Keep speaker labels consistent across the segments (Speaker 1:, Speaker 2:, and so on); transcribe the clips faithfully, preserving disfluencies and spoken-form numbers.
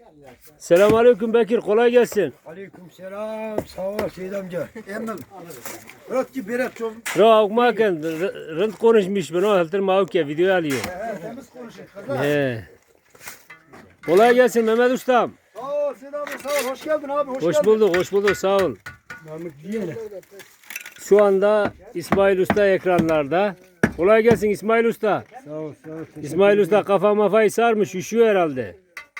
Speaker 1: Selamünaleyküm Bekir, kolay gelsin.
Speaker 2: Aleykümselam. Sağ ol Seyit amca. Emel. Bırak ki bırak çok.
Speaker 1: Ra okumarken rınt konuşmuş ben o haltır mavke video alıyor.
Speaker 2: He, temiz konuşun. Kaza.
Speaker 1: He. Kolay gelsin Mehmet Ustam.
Speaker 2: Sağ ol Seyit abi, sağ ol. Hoş geldin abi. Hoş,
Speaker 1: Hoş
Speaker 2: geldin.
Speaker 1: bulduk, hoş bulduk, sağ ol.
Speaker 2: Mahmut diyene.
Speaker 1: Şu anda İsmail Usta ekranlarda. Kolay gelsin İsmail Usta.
Speaker 2: Sağ ol, sağ ol.
Speaker 1: İsmail Usta kafa mafayı sarmış, üşüyor herhalde.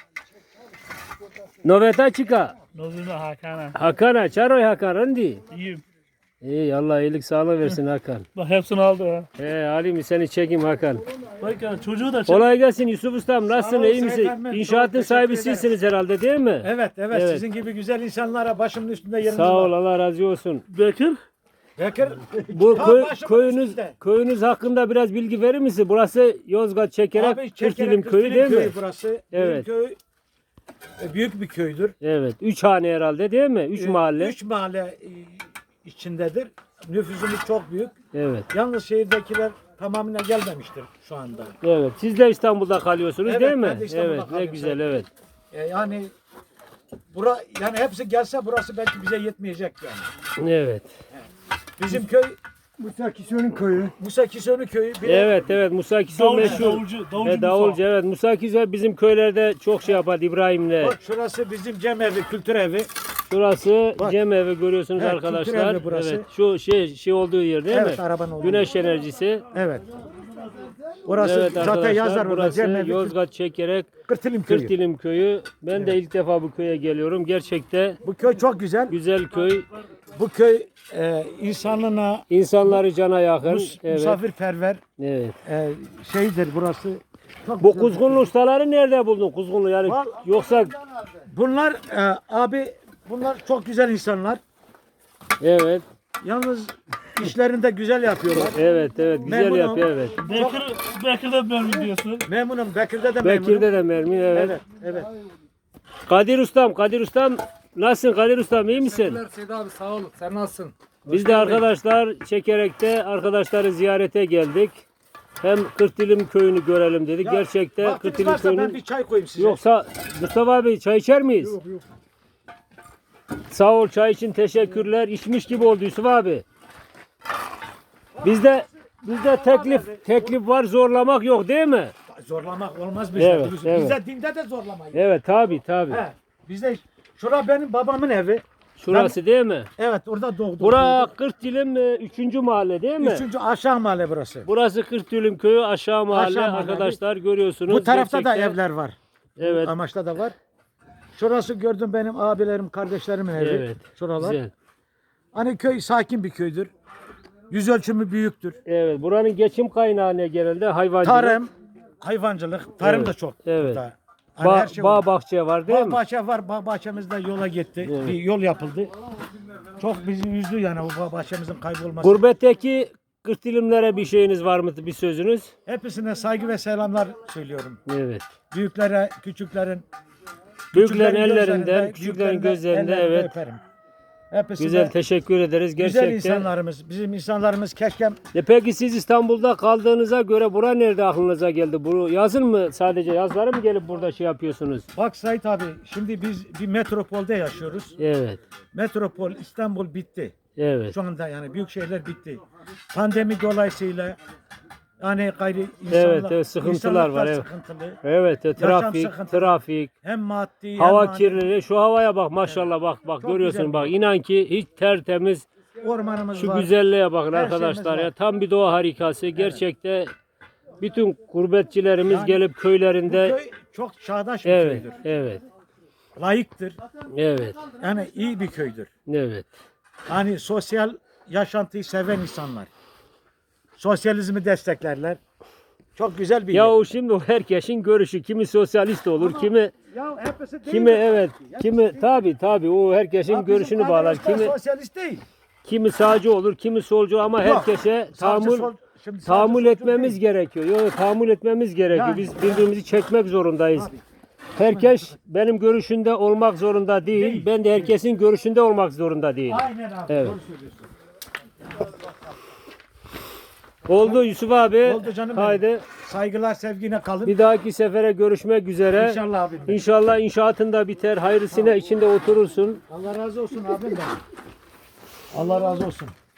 Speaker 1: Noveta çıka.
Speaker 3: Novina Hakan'a.
Speaker 1: Hakan'a, çaroy Hakan, randi.
Speaker 3: İyiyim.
Speaker 1: İyi, Allah iyilik sağlık versin Hakan.
Speaker 3: Bak hepsini aldı ha.
Speaker 1: He, alayım seni çekeyim Hakan.
Speaker 3: Bak ya çocuğu da çek.
Speaker 1: Kolay gelsin Yusuf Ustam, nasılsın,
Speaker 2: ol,
Speaker 1: iyi misin?
Speaker 2: Seyit Ahmet,
Speaker 1: İnşaatın
Speaker 2: çok
Speaker 1: sahibi
Speaker 2: teşekkür ederim.
Speaker 1: sizsiniz herhalde değil mi?
Speaker 2: Evet, evet,
Speaker 1: Evet.
Speaker 2: sizin gibi güzel insanlara başımın üstünde yeriniz
Speaker 1: Sağ ol,
Speaker 2: var.
Speaker 1: Allah razı olsun.
Speaker 3: Bekir.
Speaker 2: Bekir.
Speaker 1: Bu
Speaker 2: Tam
Speaker 1: köy,
Speaker 2: başımın
Speaker 1: köyünüz
Speaker 2: üstünde.
Speaker 1: köyünüz hakkında biraz bilgi verir misin? Burası Yozgat Çekerek
Speaker 2: Abi,
Speaker 1: Kırtilim
Speaker 2: Çekerek,
Speaker 1: köyü
Speaker 2: Kırtilim
Speaker 1: değil mi?
Speaker 2: köyü burası.
Speaker 1: Evet.
Speaker 2: Bizim köy e, büyük bir köydür.
Speaker 1: Evet. Üç hane herhalde değil mi? Üç
Speaker 2: E,
Speaker 1: mahalle.
Speaker 2: Üç mahalle e, içindedir. Nüfusumuz çok büyük.
Speaker 1: Evet.
Speaker 2: Yalnız şehirdekiler tamamına gelmemiştir şu anda.
Speaker 1: Evet. Siz de İstanbul'da kalıyorsunuz
Speaker 2: Evet,
Speaker 1: değil mi?
Speaker 2: ben de İstanbul'da
Speaker 1: Evet. Ne
Speaker 2: kalıyorum.
Speaker 1: güzel, evet.
Speaker 2: E, yani bura yani hepsi gelse burası belki bize yetmeyecek yani.
Speaker 1: Evet.
Speaker 2: Bizim köy
Speaker 4: Musa Kison'un köyü.
Speaker 2: Musa Kisonu köyü. Bir de
Speaker 1: Evet, evet. Musa Kiso
Speaker 3: Davulcu,
Speaker 1: meşhur.
Speaker 3: davulcu, davulcu
Speaker 1: He, davulcu, evet. Musa Kiso bizim köylerde çok şey yapar İbrahim'le.
Speaker 2: bak şurası bizim Cem evi, kültür evi.
Speaker 1: Şurası
Speaker 2: Bak.
Speaker 1: Cem evi görüyorsunuz
Speaker 2: Evet,
Speaker 1: arkadaşlar.
Speaker 2: kültür evi burası.
Speaker 1: Evet. Şu şey şey olduğu yer değil
Speaker 2: Evet,
Speaker 1: mi?
Speaker 2: arabanın olduğu
Speaker 1: Güneş enerjisi.
Speaker 2: Evet. Orası
Speaker 1: Evet
Speaker 2: zaten
Speaker 1: arkadaşlar,
Speaker 2: yazar orada
Speaker 1: burası
Speaker 2: Cem evi,
Speaker 1: Yozgat Çekerek
Speaker 2: Kırtilim köyü.
Speaker 1: Kırtilim köyü. Ben de ilk defa bu köye geliyorum. Gerçekte
Speaker 2: Bu köy çok güzel.
Speaker 1: güzel köy.
Speaker 2: Bu köy e, insanına
Speaker 1: İnsanları cana yakın.
Speaker 2: mus-
Speaker 1: Evet.
Speaker 2: misafirperver
Speaker 1: Evet.
Speaker 2: e, şeydir burası. Çok
Speaker 1: Bu
Speaker 2: güzel.
Speaker 1: kuzgunlu ustaları nerede buldun? Kuzgunlu yani
Speaker 2: Val-
Speaker 1: yoksa
Speaker 2: Bunlar e, abi bunlar çok güzel insanlar.
Speaker 1: evet.
Speaker 2: Yalnız işlerinde güzel yapıyorlar.
Speaker 1: Evet, evet. Güzel
Speaker 2: Memnunum.
Speaker 1: yapıyor, evet.
Speaker 3: Bekir, Bekir'de ben diyorsun.
Speaker 2: Memnunum. Bekir'de de memnunum.
Speaker 1: Bekir'de de mermi, evet.
Speaker 2: Evet, evet.
Speaker 1: Kadir Ustam, Kadir Ustam nasılsın Kadir Ustam, iyi misin?
Speaker 4: Teşekkürler Seyit abi, sağ ol. Sen nasılsın?
Speaker 1: Biz de arkadaşlar Çekerek'te arkadaşları ziyarete geldik. Hem Kırtilim köyünü görelim dedik.
Speaker 2: Ya,
Speaker 1: Gerçekte
Speaker 2: vaktiniz
Speaker 1: Kırtilim
Speaker 2: varsa ben
Speaker 1: köyünün...
Speaker 2: bir çay koyayım size.
Speaker 1: Yoksa Mustafa abi çay içer miyiz?
Speaker 2: Yok, yok.
Speaker 1: Sağ ol, çay için teşekkürler. İçmiş gibi oldu Yusuf abi. Bizde bizde teklif teklif var, zorlamak yok değil mi?
Speaker 2: Zorlamak olmaz bizde.
Speaker 1: Evet,
Speaker 2: Bizde
Speaker 1: evet.
Speaker 2: dinde de zorlamayız.
Speaker 1: Evet, tabi tabi.
Speaker 2: He, bizde şura benim babamın evi.
Speaker 1: Şurası değil mi?
Speaker 2: Evet, orada doğdum.
Speaker 1: Bura Kırtilim üçüncü mahalle değil mi?
Speaker 2: Üçüncü aşağı mahalle burası.
Speaker 1: Burası Kırtilim köyü, aşağı mahalle.
Speaker 2: Aşağı mahalle.
Speaker 1: Arkadaşlar görüyorsunuz.
Speaker 2: Bu tarafta da
Speaker 1: Gerçekten-
Speaker 2: evler var.
Speaker 1: Evet.
Speaker 2: Amaçta da var. Şurası gördüm benim abilerim, kardeşlerimin evi.
Speaker 1: Evet.
Speaker 2: Şuralar.
Speaker 1: Güzel.
Speaker 2: Hani köy sakin bir köydür. Yüz ölçümü büyüktür.
Speaker 1: Evet. Buranın geçim kaynağı ne genelde? Hayvancılık.
Speaker 2: Tarım, hayvancılık, tarım
Speaker 1: Evet,
Speaker 2: da çok.
Speaker 1: evet.
Speaker 2: burada. Hani
Speaker 1: Ba-
Speaker 2: her şey
Speaker 1: bağ
Speaker 2: var.
Speaker 1: bahçe var değil
Speaker 2: Bağ
Speaker 1: mi?
Speaker 2: bahçe var. Bağ bahçemizde yola gitti.
Speaker 1: Evet.
Speaker 2: Bir yol yapıldı. Çok bizi üzdü yani bu bağ bahçemizin kaybolması.
Speaker 1: Gurbetteki Kırtilimlere bir şeyiniz var mı? Bir sözünüz?
Speaker 2: Hepsine saygı ve selamlar söylüyorum.
Speaker 1: Evet.
Speaker 2: Büyüklere, küçüklerin,
Speaker 1: Büyüklerin
Speaker 2: küçüklerin
Speaker 1: ellerinden,
Speaker 2: gözlerinde,
Speaker 1: küçüklerin
Speaker 2: büyüklerin de
Speaker 1: gözlerinde,
Speaker 2: ellerinden
Speaker 1: evet.
Speaker 2: öperim. Hepsine
Speaker 1: Güzel, teşekkür ederiz
Speaker 2: güzel
Speaker 1: gerçekten.
Speaker 2: insanlarımız. Bizim insanlarımız keşke
Speaker 1: E peki siz İstanbul'da kaldığınıza göre bura nerede aklınıza geldi? Bu yazın mı sadece yazları mı gelip burada şey yapıyorsunuz?
Speaker 2: bak Sait abi şimdi biz bir metropolde yaşıyoruz.
Speaker 1: Evet.
Speaker 2: Metropol İstanbul bitti.
Speaker 1: Evet.
Speaker 2: Şu anda yani büyük şehirler bitti. Pandemi dolayısıyla yani gayri insanlar,
Speaker 1: Evet, evet, sıkıntılar
Speaker 2: insanlıklar
Speaker 1: var, evet.
Speaker 2: sıkıntılı.
Speaker 1: Evet, e, trafik,
Speaker 2: sıkıntılı.
Speaker 1: trafik,
Speaker 2: Hem maddi
Speaker 1: hava
Speaker 2: hem manevi.
Speaker 1: kirliliği. Şu havaya bak maşallah bak bak
Speaker 2: Çok
Speaker 1: görüyorsun
Speaker 2: güzel.
Speaker 1: bak inan ki hiç tertemiz.
Speaker 2: Ormanımız
Speaker 1: Şu
Speaker 2: var.
Speaker 1: güzelliğe bakın
Speaker 2: Her
Speaker 1: arkadaşlar
Speaker 2: şeyimiz
Speaker 1: ya
Speaker 2: var.
Speaker 1: tam bir doğa harikası. Gerçekte bütün gurbetçilerimiz
Speaker 2: Yani
Speaker 1: gelip
Speaker 2: Bu
Speaker 1: köylerinde
Speaker 2: köy çok çağdaş bir
Speaker 1: evet,
Speaker 2: köydür.
Speaker 1: evet,
Speaker 2: Layıktır.
Speaker 1: evet,
Speaker 2: Yani iyi bir köydür.
Speaker 1: evet.
Speaker 2: Hani sosyal yaşantıyı seven insanlar. Sosyalizmi desteklerler. Çok güzel bir
Speaker 1: Ya
Speaker 2: yer.
Speaker 1: o şimdi o herkesin görüşü. Kimi sosyalist olur, kimi
Speaker 2: Ya hepsi değil.
Speaker 1: kimi evet, kimi tabi tabi o herkesin
Speaker 2: Ya bizim
Speaker 1: görüşünü bağlar.
Speaker 2: arkadaşlar
Speaker 1: Kimi
Speaker 2: sosyalist değil.
Speaker 1: kimi sağcı olur, kimi solcu ama
Speaker 2: Yok.
Speaker 1: herkese
Speaker 2: Sağcı
Speaker 1: tahammül
Speaker 2: sol- şimdi sağcı
Speaker 1: tahammül
Speaker 2: solcu
Speaker 1: etmemiz
Speaker 2: değil.
Speaker 1: gerekiyor. Yok tahammül etmemiz gerekiyor.
Speaker 2: Yani.
Speaker 1: Biz birbirimizi çekmek zorundayız. Herkes benim görüşünde olmak zorunda değil.
Speaker 2: Değil.
Speaker 1: Ben de herkesin görüşünde olmak zorunda değil.
Speaker 2: Aynen abi.
Speaker 1: Evet.
Speaker 2: Doğru söylüyorsun.
Speaker 1: Oldu Yusuf abi.
Speaker 2: Oldu canım benim.
Speaker 1: Haydi.
Speaker 2: Saygılar sevgiyle kalın.
Speaker 1: Bir dahaki sefere görüşmek üzere.
Speaker 2: İnşallah abim. benim.
Speaker 1: İnşallah inşaatın da biter. Hayırlısıyla içinde oturursun.
Speaker 2: Allah razı olsun abim benim. Allah razı olsun.